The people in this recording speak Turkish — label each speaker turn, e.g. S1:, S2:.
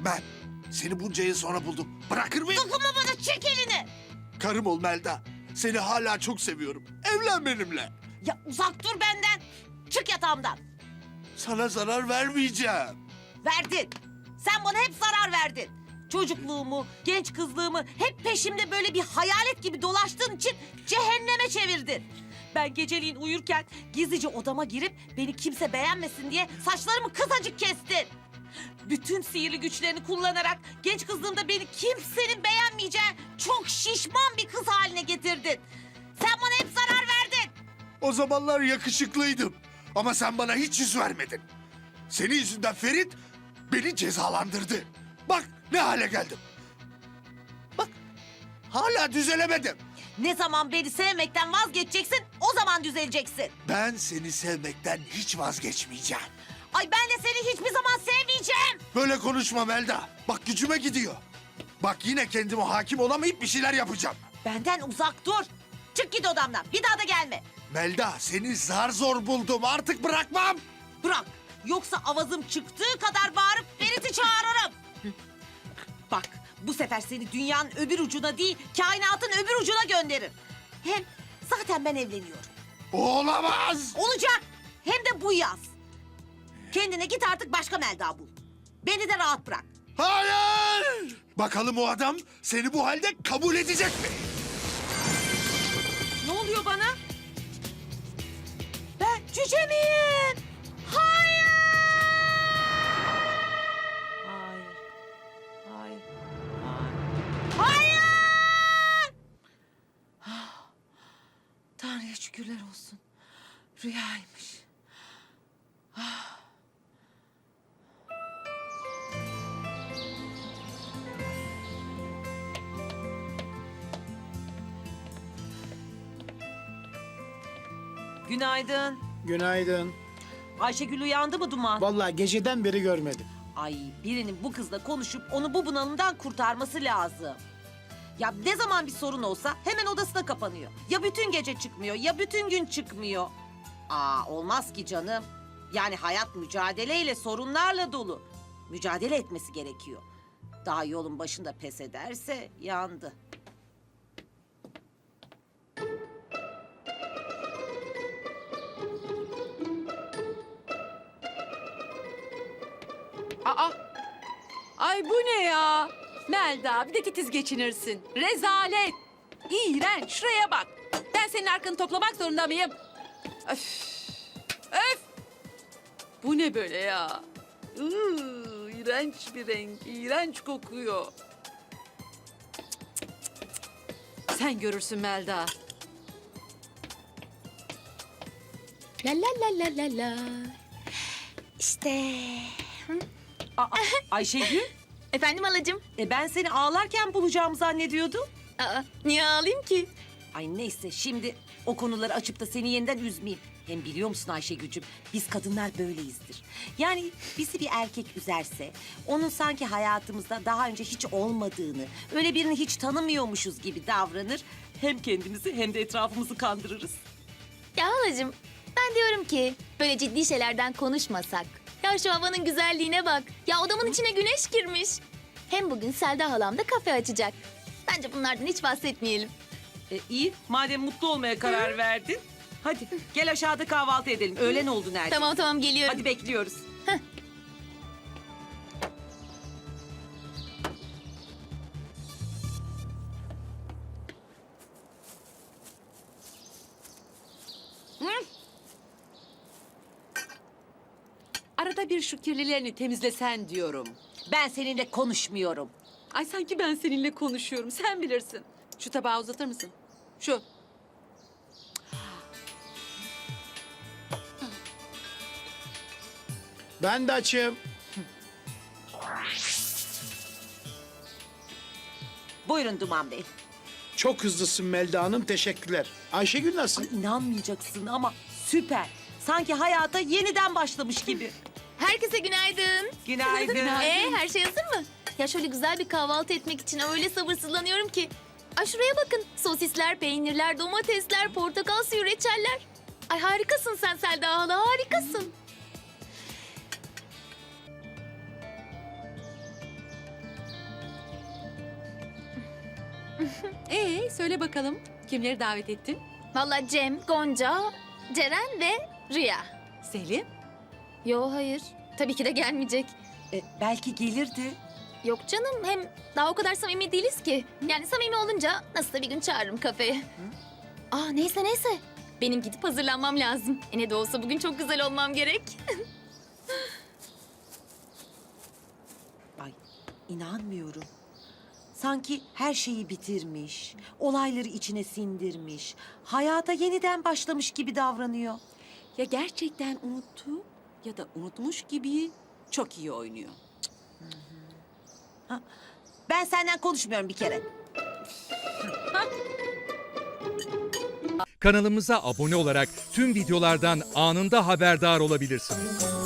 S1: Ben seni bunca yıl sonra buldum. Bırakır mıyım?
S2: Dokunma bana, çek elini.
S1: Karım ol Melda. Seni hala çok seviyorum. Evlen benimle.
S2: Ya uzak dur benden. Çık yatağımdan.
S1: Sana zarar vermeyeceğim.
S2: Verdin. Sen bana hep zarar verdin. Çocukluğumu, genç kızlığımı hep peşimde böyle bir hayalet gibi dolaştığın için cehenneme çevirdin. Ben geceliğin uyurken gizlice odama girip beni kimse beğenmesin diye saçlarımı kısacık kestin. Bütün sihirli güçlerini kullanarak genç kızlığımda beni kimsenin beğenmeyeceği çok şişman bir kız haline getirdin. Sen bana hep zarar verdin.
S1: O zamanlar yakışıklıydım. Ama sen bana hiç yüz vermedin. Senin yüzünden Ferit beni cezalandırdı. Bak ne hale geldim. Bak hala düzelemedim.
S2: Ne zaman beni sevmekten vazgeçeceksin, o zaman düzeleceksin.
S1: Ben seni sevmekten hiç vazgeçmeyeceğim.
S2: Ay ben de seni hiçbir zaman sevmeyeceğim.
S1: Böyle konuşma Melda. Bak gücüme gidiyor. Bak yine kendime hakim olamayıp bir şeyler yapacağım.
S2: Benden uzak dur. Çık git odamdan, bir daha da gelme.
S1: Melda seni zar zor buldum. Artık bırakmam.
S2: Bırak, yoksa avazım çıktığı kadar bağırıp Ferit'i çağırırım. Bak, bu sefer seni dünyanın öbür ucuna değil, kainatın öbür ucuna gönderirim. Hem zaten ben evleniyorum.
S1: Olamaz.
S2: Olacak, hem de bu yaz. Kendine git artık başka Melda bul. Beni de rahat bırak.
S1: Hayır. Bakalım o adam seni bu halde kabul edecek mi?
S2: Ne oluyor bana? Ben cüce miyim? Hayır! Hayır. Hayır. Hayır! Hayır! Ah, Tanrı'ya şükürler olsun. Rüyaymış. Günaydın.
S3: Günaydın.
S2: Ayşegül uyandı mı Duman?
S3: Vallahi geceden beri görmedim.
S2: Ay birinin bu kızla konuşup onu bu bunalımdan kurtarması lazım. Ya ne zaman bir sorun olsa hemen odasına kapanıyor. Ya bütün gece çıkmıyor ya bütün gün çıkmıyor. Olmaz ki canım. Yani hayat mücadeleyle, sorunlarla dolu. Mücadele etmesi gerekiyor. Daha yolun başında pes ederse yandı.
S4: Aa! Ay bu ne ya? Melda bir de titiz geçinirsin. Rezalet. İğrenç. Şuraya bak. Ben senin arkanı toplamak zorunda mıyım? Öf. Öf. Bu ne böyle ya? İğrenç bir renk. İğrenç kokuyor. Sen görürsün Melda.
S5: La la la la la la. İşte.
S2: Ayşegül,
S5: Efendim halacığım?
S2: ben seni ağlarken bulacağımı zannediyordum.
S5: Niye ağlayayım ki?
S2: Ay neyse şimdi o konuları açıp da seni yeniden üzmeyeyim. Hem biliyor musun Ayşegül'cüm biz kadınlar böyleyizdir. Yani bizi bir erkek üzerse onun sanki hayatımızda daha önce hiç olmadığını, öyle birini hiç tanımıyormuşuz gibi davranır. Hem kendimizi hem de etrafımızı kandırırız.
S5: Ya halacığım, ben diyorum ki böyle ciddi şeylerden konuşmasak. Ya şu havanın güzelliğine bak. Ya odamın içine güneş girmiş. Hem bugün Selda halam da kafe açacak. Bence bunlardan hiç bahsetmeyelim.
S2: İyi madem mutlu olmaya karar verdin. Hadi gel aşağıda kahvaltı edelim. Öğlen oldu neredeyse.
S5: Tamam geliyorum.
S2: Hadi bekliyoruz.
S4: Arada bir şu kirlilerini temizlesen diyorum.
S2: Ben seninle konuşmuyorum.
S4: Ay sanki ben seninle konuşuyorum. Sen bilirsin. Şu tabağı uzatır mısın? Şu.
S3: Ben de açım.
S2: Buyurun Duman Bey.
S3: Çok hızlısın Melda Hanım, teşekkürler. Ayşegül nasıl?
S2: İnanmayacaksın ama süper. Sanki hayata yeniden başlamış gibi.
S5: Herkese günaydın.
S2: Günaydın.
S5: Her şey hazır mı? Ya şöyle güzel bir kahvaltı etmek için öyle sabırsızlanıyorum ki. Ay şuraya bakın. Sosisler, peynirler, domatesler, portakal suyu, reçeller. Ay harikasın sen Selda hala, harikasın.
S4: Söyle bakalım kimleri davet ettin?
S5: Vallahi Cem, Gonca, Ceren ve Rüya.
S4: Selim?
S5: Yo hayır. Tabii ki de gelmeyecek.
S2: Belki gelirdi.
S5: Yok canım, hem daha o kadar samimi değiliz ki. Yani samimi olunca nasıl da bir gün çağırırım kafeye. Aa neyse. Benim gidip hazırlanmam lazım. Ne de olsa bugün çok güzel olmam gerek.
S2: Ay inanmıyorum. Sanki her şeyi bitirmiş, olayları içine sindirmiş, hayata yeniden başlamış gibi davranıyor.
S4: Ya gerçekten unuttu ya da unutmuş gibi çok iyi oynuyor.
S2: Ben senden konuşmuyorum bir kere.
S6: Kanalımıza abone olarak tüm videolardan anında haberdar olabilirsiniz.